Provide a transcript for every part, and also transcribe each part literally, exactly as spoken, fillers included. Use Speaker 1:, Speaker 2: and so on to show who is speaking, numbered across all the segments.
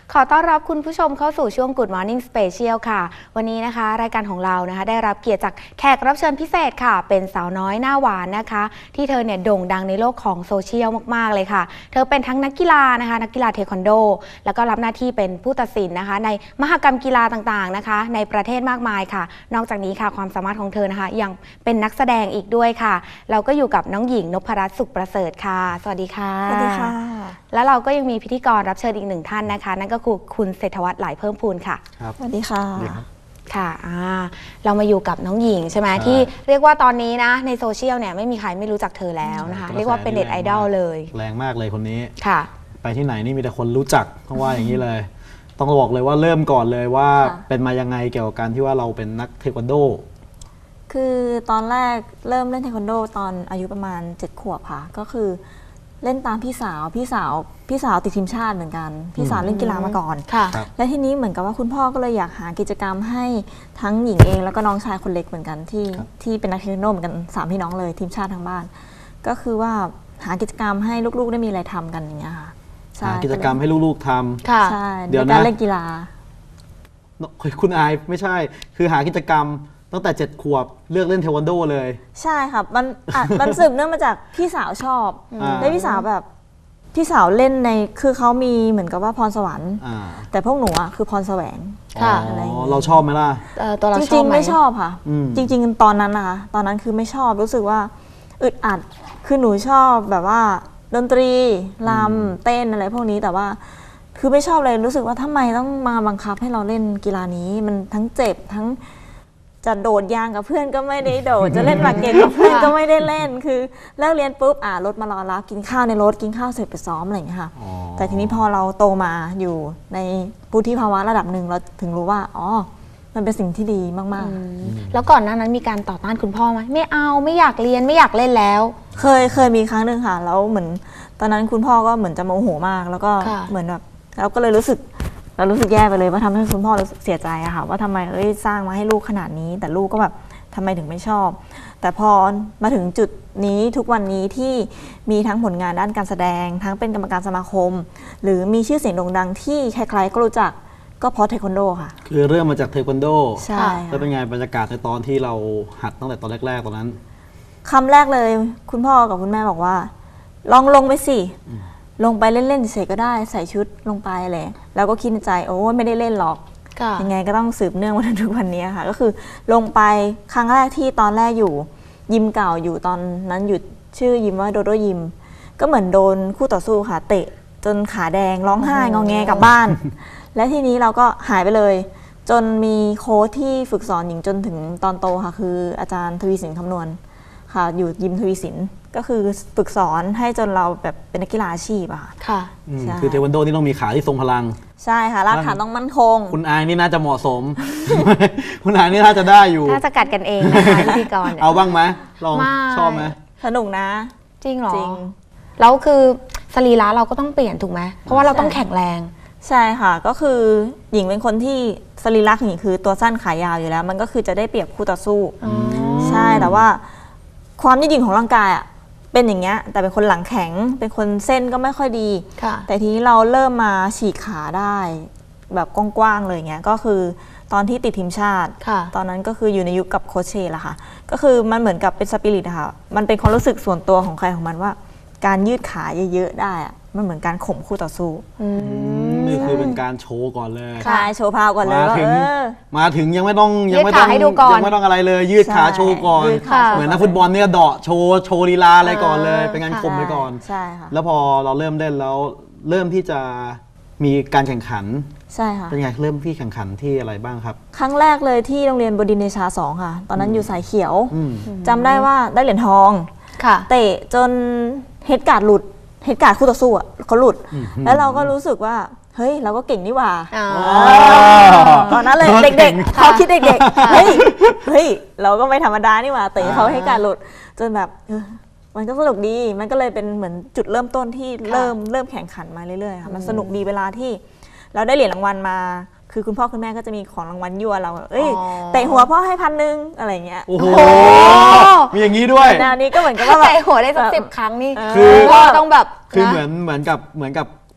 Speaker 1: ขอต้อนรับคุณผู้ชมเข้าสู่ช่วง Good Morning Special ค่ะวันนี้นะคะรายการของเรานะคะได้รับเกียรติจากแขกรับเชิญพิเศษค่ะเป็นสาวน้อยหน้าหวานนะคะที่เธอเนี่ยโด่งดังในโลกของโซเชียลมากๆเลยค่ะเธอเป็นทั้งนักกีฬานะคะนักกีฬาเทควันโดแล้วก็รับหน้าที่เป็นผู้ตัดสินนะคะในมหกรรมกีฬาต่างๆนะคะในประเทศมากมายค่ะนอกจากนี้ค่ะความสามารถของเธอนะคะยังเป็นนักแสดงอีกด้วยค่ะเราก็อยู่กับน้องหญิงนพรัตน์สุขประเสริฐค่ะสวัสดีค่ะ
Speaker 2: สวัสดีค่ะ
Speaker 1: แล้วเราก็ยังมีพิธีกรรับเชิญอีกหนึ่งท่านนะคะนั่นก็คือคุณเศรษฐวัฒน์หลายเพิ่มพูนค่ะ
Speaker 2: ครับสวัสดีค่ะ
Speaker 1: ค่ะเรามาอยู่กับน้องหญิงใช่ไหมที่เรียกว่าตอนนี้นะในโซเชียลเนี่ยไม่มีใครไม่รู้จักเธอแล้วนะคะเรียกว่าเป็นเน็ตไอดอลเลย
Speaker 3: แรงมากเลยคนนี้
Speaker 1: ค่ะ
Speaker 3: ไปที่ไหนนี่มีแต่คนรู้จักเพราะว่าอย่างนี้เลยต้องบอกเลยว่าเริ่มก่อนเลยว่าเป็นมายังไงเกี่ยวกับการที่ว่าเราเป็นนักเทควันโด
Speaker 2: คือตอนแรกเริ่มเล่นเทควันโดตอนอายุประมาณเจ็ดขวบค่ะก็คือเล่นตามพี่สาวพี่สาวพี่สาวติดทีมชาติเหมือนกันพี่สาวเล่นกีฬามาก่อนและทีนี้เหมือนกับว่าคุณพ่อก็เลยอยากหากิจกรรมให้ทั้งหญิงเองแล้วก็น้องชายคนเล็กเหมือนกันที่ที่เป็นนักเทควันโดเหมือนกันสามพี่น้องเลยทีมชาติทั้งบ้านก็คือว่าหากิจกรรมให้ลูกๆได้มีอะไรทำกันอย่างเงี้ยค่ะ
Speaker 3: หากิจกรรมให้ลูกๆท
Speaker 2: ำใช่เดี๋ยวการเล่นกีฬา
Speaker 3: คุณอายไม่ใช่คือหากิจกรรมตั้งแต่เจ็ดขวบเลือกเล่นเทควันโดเลย
Speaker 2: ใช่ครับมันมันสืบเนื่องมาจากพี่สาวชอบได้พี่สาวแบบพี่สาวเล่นในคือเขามีเหมือนกับว่าพรสวรรค์แต่พวกหนูอ่ะคือพรแสวง
Speaker 3: ค่ะเราชอบไหมล่ะ
Speaker 2: จริงๆไม่ชอบค่ะจริงๆตอนนั้นนะคะตอนนั้นคือไม่ชอบรู้สึกว่าอึดอัดคือหนูชอบแบบว่าดนตรีรำเต้นอะไรพวกนี้แต่ว่าคือไม่ชอบเลยรู้สึกว่าทำไมต้องมาบังคับให้เราเล่นกีฬานี้มันทั้งเจ็บทั้งจะโดดยางกับเพื่อนก็ไม่ได้โดดจะเล่นหมากเก็ตกับเพื่อนก็ไม่ได้เล่นคือเลิกเรียนปุ๊บอ่ารถมารอรับกินข้าวในรถกินข้าวเสร็จไปซ้อมอะไรอย่างเงี้ยค่ะแต่ทีนี้พอเราโตมาอยู่ในวุฒิภาวะระดับหนึ่งเราถึงรู้ว่าอ๋อมันเป็นสิ่งที่ดีมาก
Speaker 1: ๆแล้วก่อนหน้านั้นมีการต่อต้านคุณพ่อไหมไม่เอาไม่อยากเรียนไม่อยากเล่นแล้ว
Speaker 2: เคยเคยมีครั้งหนึ่งค่ะแล้วเหมือนตอนนั้นคุณพ่อก็เหมือนจะโมโหมากแล้วก็เหมือนแบบเราก็เลยรู้สึกเรารู้สึกแย่ไปเลยว่าทำให้คุณพ่อรู้สึกเสียใจอะค่ะว่าทำไมเอ้ยสร้างมาให้ลูกขนาดนี้แต่ลูกก็แบบทำไมถึงไม่ชอบแต่พอมาถึงจุดนี้ทุกวันนี้ที่มีทั้งผลงานด้านการแสดงทั้งเป็นกรรมการสมาคมหรือมีชื่อเสียงโด่งดังที่ใครๆก็รู้จักก็เพราะเทควันโดค่ะ
Speaker 3: คือเริ่มมาจากเทควันโด
Speaker 2: ใช่
Speaker 3: แล้วเป็นไงบรรยากาศในตอนที่เราหัดตั้งแต่ตอนแรกๆตอนนั้น
Speaker 2: คำแรกเลยคุณพ่อกับคุณแม่บอกว่าลองลงไปสิลงไปเล่นๆเฉยก็ได้ใส่ชุดลงไปเลยแล้วก็คิดในใจโอ้ไม่ได้เล่นหรอกยังไงก็ต้องสืบเนื่องมาถึงทุกวันนี้ค่ะก็คือลงไปครั้งแรกที่ตอนแรกอยู่ยิมเก่าอยู่ตอนนั้นหยุดชื่อยิมว่าโดโดยิมก็เหมือนโดนคู่ต่อสู้ค่ะเตะจนขาแดงร้องไห้งอแงกลับบ้านและทีนี้เราก็หายไปเลยจนมีโค้ชที่ฝึกสอนหญิงจนถึงตอนโตค่ะคืออาจารย์ทวีสินคำนวณค่ะอยู่ยิมทวีสินก็คือฝึกสอนให้จนเราแบบเป็นนักกีฬาอาชีพอะ
Speaker 1: ค่ะ
Speaker 3: คือเทควันโดนี่ต้องมีขาที่ทรงพลัง
Speaker 2: ใช่ค่ะรากฐานต้องมั่นคง
Speaker 3: คุณอายนี่น่าจะเหมาะสมคุณอายนี่น่าจะได้อยู่
Speaker 1: น่าจะกัดกันเองนะคะพิธีกร
Speaker 3: เอาบ้างไหมลองชอบไหม
Speaker 2: สนุกนะ
Speaker 1: จริงหรอจริงแล้วคือสรีระเราก็ต้องเปลี่ยนถูกไหมเพราะว่าเราต้องแข็งแรง
Speaker 2: ใช่ค่ะก็คือหญิงเป็นคนที่สรีระหญิงคือตัวสั้นขายาวอยู่แล้วมันก็คือจะได้เปรียบคู่ต่อสู้ใช่แต่ว่าความยืดหยุ่นของร่างกายอ่ะเป็นอย่างเงี้ยแต่เป็นคนหลังแข็งเป็นคนเส้นก็ไม่ค่อยดีแต่ทีนี้เราเริ่มมาฉีกขาได้แบบกว้างๆเลยเงี้ยก็คือตอนที่ติดทีมชาติตอนนั้นก็คืออยู่ในยุคกับโคชเชล่ะค่ะก็คือมันเหมือนกับเป็นสปิริตอะค่ะมันเป็นความรู้สึกส่วนตัวของใครของมันว่าการยืดขาเยอะๆได้อะมันเหมือนการข่มคู่ต่อสู้
Speaker 3: นี่คือเป็นการโชว์ก่อนเลย
Speaker 2: ใช่โชว์พาวก่อนเลย
Speaker 3: มาถึงมาถึงยังไม่ต้องยังไม่ต้องยังไม่ต้องอะไรเลยยืดขาโชว์ก่อนเหมือนนักฟุตบอลเนี่ยเดาะโชว์โชว์ลีลาอะไรก่อนเลยเป็นการข่มไปก่อน
Speaker 2: ใช่ค่ะ
Speaker 3: แล้วพอเราเริ่มเล่นแล้วเริ่มที่จะมีการแข่งขัน
Speaker 2: ใช่ค่ะ
Speaker 3: เป็นไงเริ่มที่แข่งขันที่อะไรบ้างครับ
Speaker 2: ครั้งแรกเลยที่โรงเรียนบดินทร์เดชาสองค่ะตอนนั้นอยู่สายเขียวจำได้ว่าได้เหรียญทองเตะจนเฮดการ์ดหลุดเหตุการณ์คู่ต่อสู้อ่ะเขาหลุดแล้วเราก็รู้สึกว่าเฮ้ยเราก็เก่งนี่หว่าตอนนั้นเลยเด็กๆเขาคิดเด็กๆเฮ้ยเฮ้ยเราก็ไม่ธรรมดานี่หว่าเตะเขาให้การหลุดจนแบบมันก็สนุกดีมันก็เลยเป็นเหมือนจุดเริ่มต้นที่เริ่มเริ่มแข่งขันมาเรื่อยๆค่ะมันสนุกดีเวลาที่เราได้เหรียญรางวัลมาคือคุณพ่อคุณแม่ก็จะมีของรางวัลยั่วเราเอ้ยเตะหัวพ่อให้พันหนึ่งอะไรเงี้ย
Speaker 3: โอ้โหมีอย่างนี้ด้วย
Speaker 2: แนวนี้ก็เหมือนกับว่า
Speaker 1: เตะหัวได้สักสิบครั้งนี่
Speaker 3: คือ
Speaker 1: ต้องแบบ
Speaker 3: คือเหมือนเหมือนกับเหมือนกับ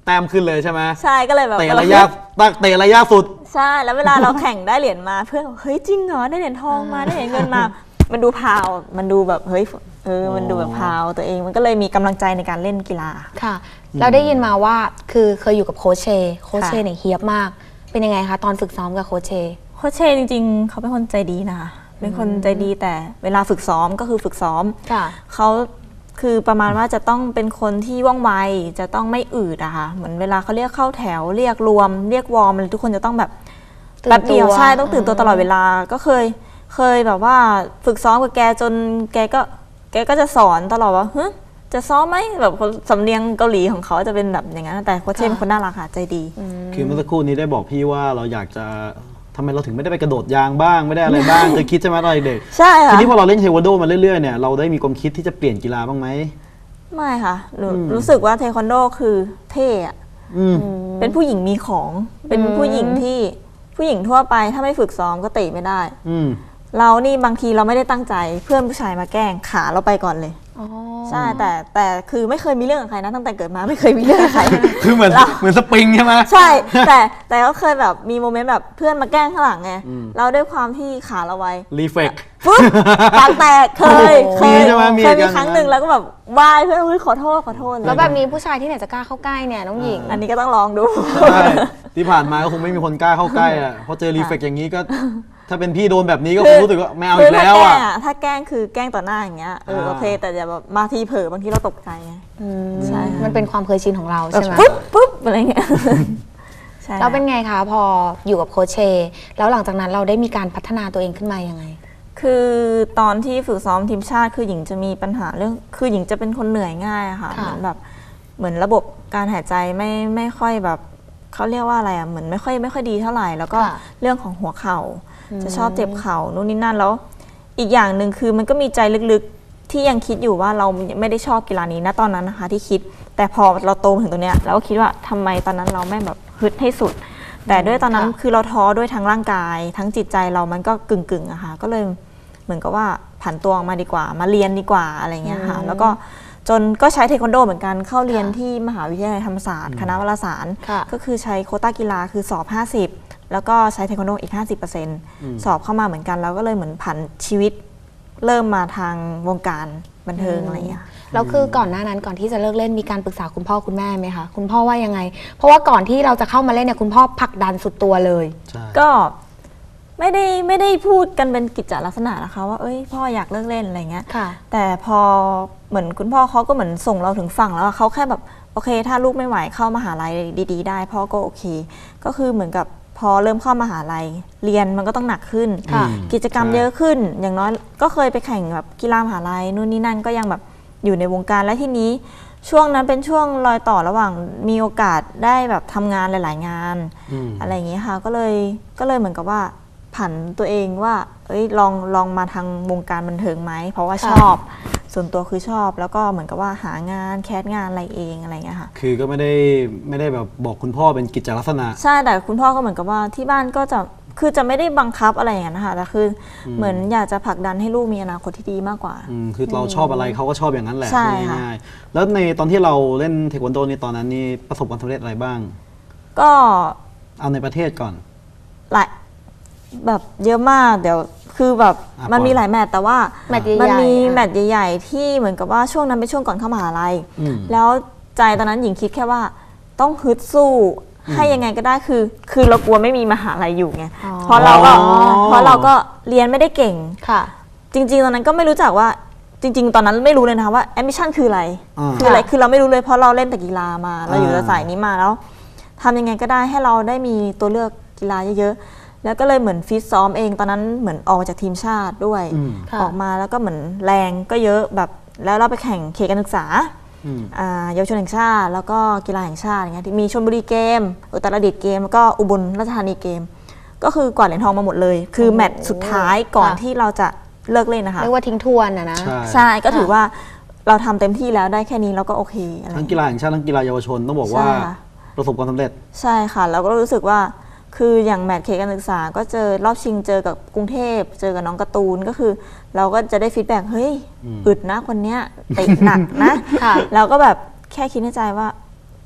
Speaker 3: แต้มขึ้นเลยใช่ไหม
Speaker 2: ใช่ก็เลยแบบ
Speaker 3: เตะระยะตักเตะระยะสุด
Speaker 2: ใช่แล้วเวลาเราแข่งได้เหรียญมาเพื่อนเฮ้ยจริงเหรอได้เหรียญทองมาได้เหรียญเงินมามันดูพาวมันดูแบบเฮ้ยเออมันดูแบบพาวตัวเองมันก็เลยมีกำลังใจในการเล่นกีฬา
Speaker 1: ค่ะเราได้ยินมาว่าคือเคยอยู่กับโค้ชเชโค้ชเชเนี่ยเฮียบมากเป็นยังไงคะตอนฝึกซ้อมกับโค้ชเช
Speaker 2: โค้ชเชจริงๆเขาเป็นคนใจดีนะคะเป็นคนใจดีแต่เวลาฝึกซ้อมก็คือฝึกซ้อมเขาคือประมาณว่าจะต้องเป็นคนที่ว่องไวจะต้องไม่อืดอะค่ะเหมือนเวลาเขาเรียกเข้าแถวเรียกรวมเรียกวอร์มทุกคนจะต้องแบบแป๊บเดียวใช่ต้องตื่นตัวตลอดเวลาก็เคยเคยแบบว่าฝึกซ้อมกับแกจนแกก็แกก็จะสอนตลอดว่าฮึจะซ้อมไหมแบบสำเนียงเกาหลีของเขาจะเป็นแบบอย่างนั้นแต่โค้ชเชเป็นคนน่ารักค่ะใจดี
Speaker 3: คือเมื่อสักครู่นี้ได้บอกพี่ว่าเราอยากจะทำไมเราถึงไม่ได้ไปกระโดดยางบ้างไม่ได้อะไรบ้างเคยคิดใช่ไหมตอนเด็ก
Speaker 2: ใช่ค่ะ
Speaker 3: ทีนี้พอเราเล่นเทควันโดมาเรื่อยๆเนี่ยเราได้มีความคิดที่จะเปลี่ยนกีฬาบ้างไหม
Speaker 2: ไม่ค่ะรู้สึกว่าเทควันโดคือเท่อะเป็นผู้หญิงมีของเป็นผู้หญิงที่ผู้หญิงทั่วไปถ้าไม่ฝึกซ้อมก็เตะไม่ได้เรานี่บางทีเราไม่ได้ตั้งใจเพื่อนผู้ชายมาแกล้งขาเราไปก่อนเลยใช่แต่แต่คือไม่เคยมีเรื่องกับใครนะตั้งแต่เกิดมาไม่เคยมีเรื่องกับใคร
Speaker 3: คือเหมือนเหมือนสปริงใช่ไหม
Speaker 2: ใช่แต่แต่ก็เคยแบบมีโมเมนต์แบบเพื่อนมาแกล้งข้างหลังไงเราด้วยความที่ขาเราไว
Speaker 3: รีเฟก
Speaker 2: ปุ๊บปากแตกเคยเคยเคยมีครั้งหนึ่งแล้วก็แบบวายเพื่อนขอโทษขอโทษ
Speaker 1: แล้วแบบนี้ผู้ชายที่ไหนจะกล้าเข้าใกล้เนี่ยน้องหญิง
Speaker 2: อันนี้ก็ต้องลองดู
Speaker 3: ใช่ที่ผ่านมาก็คงไม่มีคนกล้าเข้าใกล้อ่ะเพราะเจอรีเฟกอย่างนี้ก็ถ้าเป็นพี่โดนแบบนี้ก็คงรู้สึกว่าไม่เอาอีกแล้วอ่ะ
Speaker 2: ถ้าแกล้งคือแกล้งต่อหน้าอย่างเงี้ยเออโอเคแต่อย่าแบบมาทีเผลอบางทีเราตกใจไง
Speaker 1: ใช่มันเป็นความเคยชินของเราใช่ไหม
Speaker 2: ปุ๊บปุ๊บอะไรเงี้ย
Speaker 1: แล้วเป็นไงคะพออยู่กับโค้ชเชแล้วหลังจากนั้นเราได้มีการพัฒนาตัวเองขึ้นมายังไง
Speaker 2: คือตอนที่ฝึกซ้อมทีมชาติคือหญิงจะมีปัญหาเรื่องคือหญิงจะเป็นคนเหนื่อยง่ายค่ะเหมือนแบบเหมือนระบบการหายใจไม่ไม่ค่อยแบบเขาเรียกว่าอะไรอ่ะเหมือนไม่ค่อยไม่ค่อยดีเท่าไหร่แล้วก็เรื่องของหัวเข่าจะชอบเจ็บเข่านู่นนี่นั่นแล้วอีกอย่างหนึ่งคือมันก็มีใจลึกๆที่ยังคิดอยู่ว่าเราไม่ได้ชอบกีฬานี้นะตอนนั้นนะคะที่คิดแต่พอเราโตถึงตรงเนี้ยเราก็คิดว่าทำไมตอนนั้นเราไม่แบบฮึดให้สุดแต่ด้วยตอนนั้นคือเราท้อด้วยทั้งร่างกายทั้งจิตใจเรามันก็กึ่งๆอะค่ะก็เลยเหมือนกับว่าผันตัวออกมาดีกว่ามาเรียนดีกว่าอะไรเงี้ยค่ะแล้วก็จนก็ใช้เทควันโดเหมือนกันเข้าเรียนที่มหาวิทยาลัยธรรมศาสตร์คณะวารสารก็คือใช้โควต้ากีฬาคือสอบห้าสิบแล้วก็ใช้เทควันโดอีก ห้าสิบเปอร์เซ็นต์ สอบเข้ามาเหมือนกันแล้วก็เลยเหมือนผันชีวิตเริ่มมาทางวงการบันเทิงอะไรอย่างเงี้ย
Speaker 1: แล้วคือก่อนหน้านั้นก่อนที่จะเลิกเล่นมีการปรึกษาคุณพ่อคุณแม่ไหมคะคุณพ่อว่ายังไงเพราะว่าก่อนที่เราจะเข้ามาเล่นเนี่ยคุณพ่อผลักดันสุดตัวเลย
Speaker 2: ก็ไม่ได้ไม่ได้พูดกันเป็นกิจจลักษณะนะคะว่าเอ้ยพ่ออยากเลิกเล่นอะไรเงี้ยแต่พอเหมือนคุณพ่อเขาก็เหมือนส่งเราถึงฝั่งแล้วเขาแค่แบบโอเคถ้าลูกไม่ไหวเข้ามหาลัยดีๆได้พ่อก็โอเคก็คือเหมือนกับพอเริ่มเข้ามหาลัยเรียนมันก็ต้องหนักขึ้นกิจกรรมเยอะขึ้นอย่างน้อยก็เคยไปแข่งแบบกีฬามหาลัยนู่นนี่นั่นก็ยังแบบอยู่ในวงการและที่นี้ช่วงนั้นเป็นช่วงรอยต่อระหว่างมีโอกาสได้แบบทำงานหลายๆงานอะไรอย่างเงี้ยค่ะก็เลยก็เลยเหมือนกับว่าผันตัวเองว่าเอ้ยลองลองมาทางวงการบันเทิงไหมเพราะว่าชอบส่วนตัวคือชอบแล้วก็เหมือนกับว่าหางานแคสงานอะไรเองอะไรเงี้ยค่ะ
Speaker 3: คือก็ไม่ได้ไม่ได้แบบบอกคุณพ่อเป็นกิจลักษณะ
Speaker 2: ใช่แต่คุณพ่อก็เหมือนกับว่าที่บ้านก็จะคือจะไม่ได้บังคับอะไรอย่างนั้นนะคะแต่คือเหมือนอยากจะผลักดันให้ลูกมีอนาคตที่ดีมากกว่า
Speaker 3: คือเราชอบอะไรเขาก็ชอบอย่างนั้นแหละง่ายๆแล้วในตอนที่เราเล่นเทควันโดนี่ตอนนั้นนี่ประสบความสำเร็จอะไรบ้าง
Speaker 2: ก็
Speaker 3: เอาในประเทศก่อน
Speaker 2: หลายแบบเยอะมากเดี๋ยวคือแบบมันมีหลายแมตช์แต่ว่ามันมีแมตช์ใหญ่ๆที่เหมือนกับว่าช่วงนั้นเป็นช่วงก่อนเข้ามหาลัยแล้วใจตอนนั้นหญิงคิดแค่ว่าต้องฮึดสู้ให้ยังไงก็ได้คือคือเรากลัวไม่มีมหาลัยอยู่ไงเพราะเราก็เพราะเราก็เรียนไม่ได้เก่งค่ะจริงๆตอนนั้นก็ไม่รู้จักว่าจริงๆตอนนั้นไม่รู้เลยนะคะว่าแอมบิชั่นคืออะไรคืออะไรคือเราไม่รู้เลยเพราะเราเล่นแต่กีฬามาเราอยู่ในสายนี้มาแล้วทำยังไงก็ได้ให้เราได้มีตัวเลือกกีฬาเยอะๆแล้วก็เลยเหมือนฟิตซ้อมเองตอนนั้นเหมือนออกจากทีมชาติด้วยออกมาแล้วก็เหมือนแรงก็เยอะแบบแล้วเราไปแข่งเขตการศึกษาเยาวชนแห่งชาติแล้วก็กีฬาแห่งชาติอย่างเงี้ยมีชลบุรีเกมอุตรดิตถ์เกมแล้วก็อุบลราชธานีเกมก็คือกวาดเหรียญทองมาหมดเลยคือแมตช์สุดท้ายก่อนที่เราจะเลิกเล่นนะคะ
Speaker 1: เรียกว่าทิ้งทวนนะนะ
Speaker 2: ใช่ก็ถือว่าเราทำเต็มที่แล้วได้แค่นี้เราก็โอเค
Speaker 3: ทั้งกีฬาแห่งชาติทั้งกีฬาเยาวชนต้องบอกว่าประสบความสำเร็จ
Speaker 2: ใช่ค่ะเราก็รู้สึกว่าคืออย่างแมตช์เขตการศึกษาก็เจอรอบชิงเจอกับกรุงเทพเจอกับน้องการ์ตูนก็คือเราก็จะได้ฟีดแบ็กเฮ้ยอึดนะคนเนี้ยเตะหนักนะเราก็แบบแค่คิดในใจว่า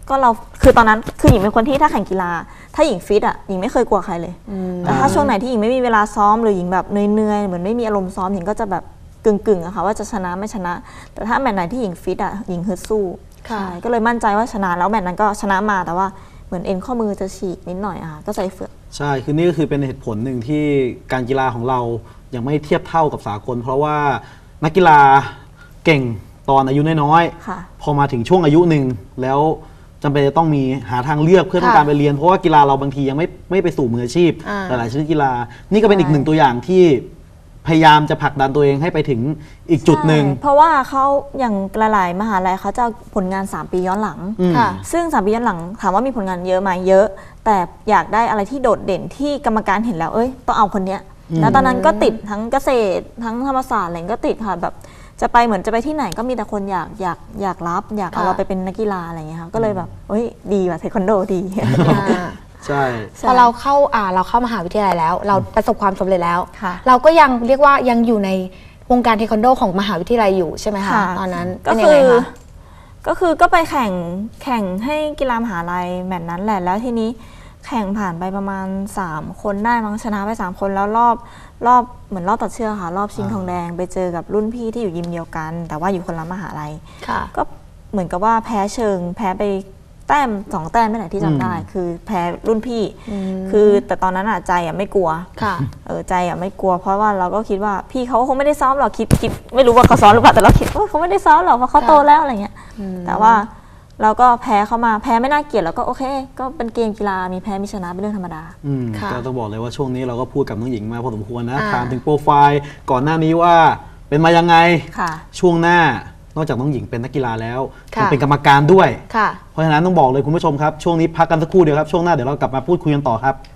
Speaker 2: ก็เราคือตอนนั้นคือหญิงเป็นคนที่ถ้าแข่งกีฬาถ้าหญิงฟิตอ่ะหญิงไม่เคยกลัวใครเลยแต่ถ้าช่วงไหนที่หญิงไม่มีเวลาซ้อมหรือหญิงแบบเหนื่อยๆเหมือนไม่มีอารมณ์ซ้อมหญิงก็จะแบบกึ่งๆอะค่ะว่าจะชนะไม่ชนะแต่ถ้าแมตช์ไหนที่หญิงฟิตอ่ะหญิงฮึดสู้ใช่ก็เลยมั่นใจว่าชนะแล้วแมตช์นั้นก็ชนะมาแต่ว่าเหมือนเอ็นข้อมือจะฉีกนิดหน่อยอะค่ะก็ใส่เฟือก
Speaker 3: ใช่คือนี่ก็คือเป็นเหตุผลหนึ่งที่การกีฬาของเรายังไม่เทียบเท่ากับสากลเพราะว่านักกีฬาเก่งตอนอายุน้อยๆพอมาถึงช่วงอายุหนึ่งแล้วจำเป็นจะต้องมีหาทางเลือกเพื่อต้องการไปเรียนเพราะว่ากีฬาเราบางทียังไม่ไม่ไปสู่มืออาชีพหลายๆชนิดกีฬานี่ก็เป็นอีกหนึ่งตัวอย่างที่พยายามจะผลักดันตัวเองให้ไปถึงอีกจุดหนึ่ง
Speaker 2: เพราะว่าเขาอย่างหลายๆมหาลัยเขาจะผลงานสามปีย้อนหลังซึ่งสามปีย้อนหลังถามว่ามีผลงานเยอะไหมเยอะแต่อยากได้อะไรที่โดดเด่นที่กรรมการเห็นแล้วเอ้ยต้องเอาคนเนี้ยแล้วตอนนั้นก็ติดทั้งเกษตรทั้งธรรมศาสตร์อะไรก็ติดค่ะแบบจะไปเหมือนจะไปที่ไหนก็มีแต่คนอยากอยากอยากรับอยากเอาเราไปเป็นนักกีฬาอะไรเงี้ยค่ะก็เลยแบบเอ้ยดีว่ะเทควันโดดี
Speaker 3: ใช่
Speaker 1: พอเราเข้าอ่าเราเข้ามหาวิทยาลัยแล้วเราประสบความสำเร็จแล้วเราก็ยังเรียกว่ายังอยู่ในวงการเทควันโดของมหาวิทยาลัยอยู่ใช่ไหมคะตอนนั้น
Speaker 2: ก็คือก็คือก็ไปแข่งแข่งให้กีฬามหาลัยแมตช์นั้นแหละแล้วทีนี้แข่งผ่านไปประมาณสามคนได้มั้งชนะไปสามคนแล้วรอบรอบเหมือนรอบตัดเชือกค่ะรอบชิงทองแดงไปเจอกับรุ่นพี่ที่อยู่ยิมเดียวกันแต่ว่าอยู่คนละมหาลัยก็เหมือนกับว่าแพ้เชิงแพ้ไปแต้มสองแต้มไม่ไหนที่จำได้คือแพ้รุ่นพี่คือแต่ตอนนั้นอะใจอะไม่กลัวเออใจอะไม่กลัวเพราะว่าเราก็คิดว่าพี่เขาคงไม่ได้ซ้อมหรอกคิดคิดไม่รู้ว่าเขาซ้อมหรือเปล่าแต่เราคิดว่าเขาไม่ได้ซ้อมหรอกเพราะเขาโตแล้วอะไรเงี้ยแต่ว่าเราก็แพ้เข้ามาแพ้ไม่น่าเกลียดแล้วก็โอเคก็เป็นเกมกีฬามีแพ้มีชนะเป็นเรื่องธรรมดา
Speaker 3: ก็ต้องบอกเลยว่าช่วงนี้เราก็พูดกับน้องหญิงมาพอสมควรนะถามถึงโปรไฟล์ก่อนหน้านี้ว่าเป็นมายังไงช่วงหน้านอกจากน้องหญิงเป็นนักกีฬาแล้วยังเป็นกรรมการด้วยเพราะฉะนั้นต้องบอกเลยคุณผู้ชมครับช่วงนี้พักกันสักครู่เดียวครับช่วงหน้าเดี๋ยวเรากลับมาพูดคุยกันต่อครับ